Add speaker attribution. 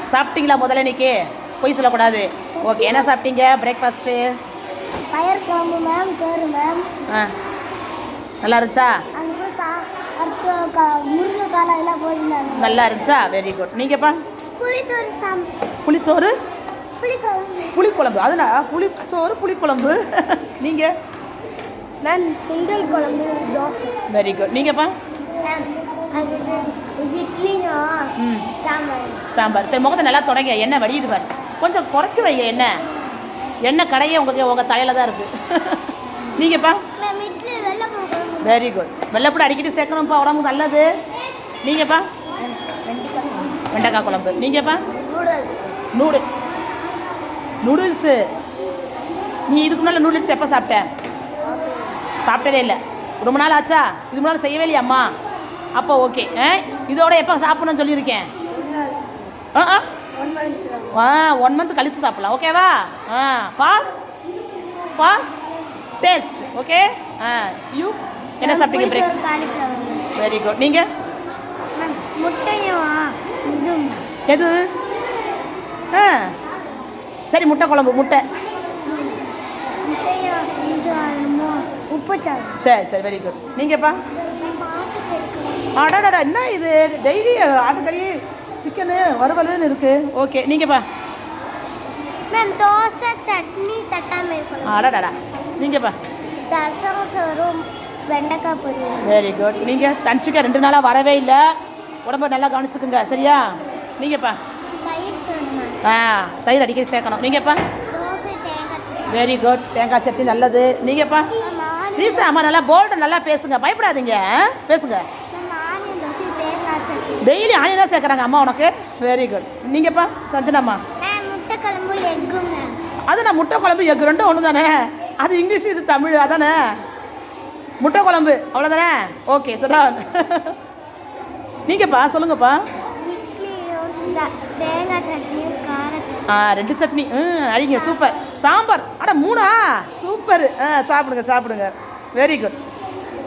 Speaker 1: சாப்பிட்டீங்களா முதல்ல இன்னைக்கு? பொய் சொல்லக்கூடாது. ஓகே, என்ன சாப்பிட்டீங்க பிரேக்ஃபாஸ்ட்டு?
Speaker 2: பயிர் குழம்பு மேம், கேரு மேம்.
Speaker 1: நல்லா இருந்துச்சா?
Speaker 2: முருங்கைக்கால எல்லாம் போயிருந்தாங்க.
Speaker 1: நல்லா இருந்துச்சா? Very good. நீங்கப்பா? புளிச்சோறு புளிக்குழம்பு. அதுனா புளிச்சோறு புளிக்குழம்பு. நீங்கள்?
Speaker 2: மேம் சுண்டல் குழம்பு, தோசை.
Speaker 1: Very good. நீங்கப்பா?
Speaker 2: இட்லியும்
Speaker 1: சாம்பார். சரி, முகத்தை நல்லா தொடங்க. எண்ணெய் வடியுது பாரு. கொஞ்சம் குறைச்சி வைங்க. எண்ணெய் கடையே உங்கள் தலையில் தான் இருக்குது. நீங்கப்பா? Very good. வெள்ளைப்பூடு அடிக்கடி சேர்க்கணும்ப்பா, உடம்புக்கு நல்லது. நீங்கப்பா? வெண்டைக்காய் குழம்பு. நீங்கப்பா? நூடுல்ஸு. நீ இதுக்கு முன்னால் நூடுல்ஸ் எப்போ சாப்பிட்ட? சாப்பிட்டதே இல்லை. ரொம்ப நாள் ஆச்சா? இதுக்கு முன்னால் செய்யவே இல்லையா அம்மா? அப்போ ஓகே. இதோட எப்போ சாப்பிட்ணுன்னு சொல்லியிருக்கேன்? 1 மந்த் கழித்து சாப்பிட்லாம். ஓகேவா? For taste. ஓகே. யூ என்ன சாப்பிட்டீங்க பிரேக்? Very good. நீங்கள்?
Speaker 2: முட்டையும்
Speaker 1: எது? சரி, முட்டை குழம்பு. முட்டை. சரி சரி, வெரி குட். நீங்கப்பா? ஆடாடா, என்ன இது டெய்லி ஆட்டுக்கறி சிக்கனு வறுவலுன்னு இருக்குது. ஓகே. நீங்கப்பா?
Speaker 2: தோசை, சட்னி, தட்டாமை.
Speaker 1: ஆடாடாடா. நீங்கப்பா?
Speaker 2: ரசம், சோறும், வெண்டைக்காய் பொரியல்.
Speaker 1: Very good. நீங்கள்? தனிச்சிக்கா 2 நாளாக வரவே இல்லை. உடம்பை நல்லா கவனிச்சுக்குங்க, சரியா? நீங்கப்பா? தயிர் அடிக்கடி சேர்க்கணும். நீங்கப்பா? Very good. தேங்காய் சட்னி நல்லது. நீங்கப்பா? ப்ளீஸ் அம்மா, நல்லா போல்டு நல்லா பேசுங்க, பயப்படாதீங்க. பேசுங்க. டெய்லி ஆனியன் தான் சேர்க்குறாங்க அம்மா உனக்கு. Very good. நீங்கப்பா? சஞ்சனாம்மா?
Speaker 2: முட்டை குழம்பு, எக்கு.
Speaker 1: அது நான் முட்டை குழம்பு எக்கு ரெண்டும் ஒன்று தானே? அது இங்கிலீஷ், இது தமிழ். அதானே முட்டை குழம்பு, அவ்வளோதானே? ஓகே, சொல்கிறான். நீங்கப்பா? சொல்லுங்கப்பா.
Speaker 2: தேங்காய் சட்னி, கார சட்னி.
Speaker 1: 2 சட்னி. அடிங்க. சூப்பர். சாம்பார். 3 சூப்பர். சாப்பிடுங்க. Very good.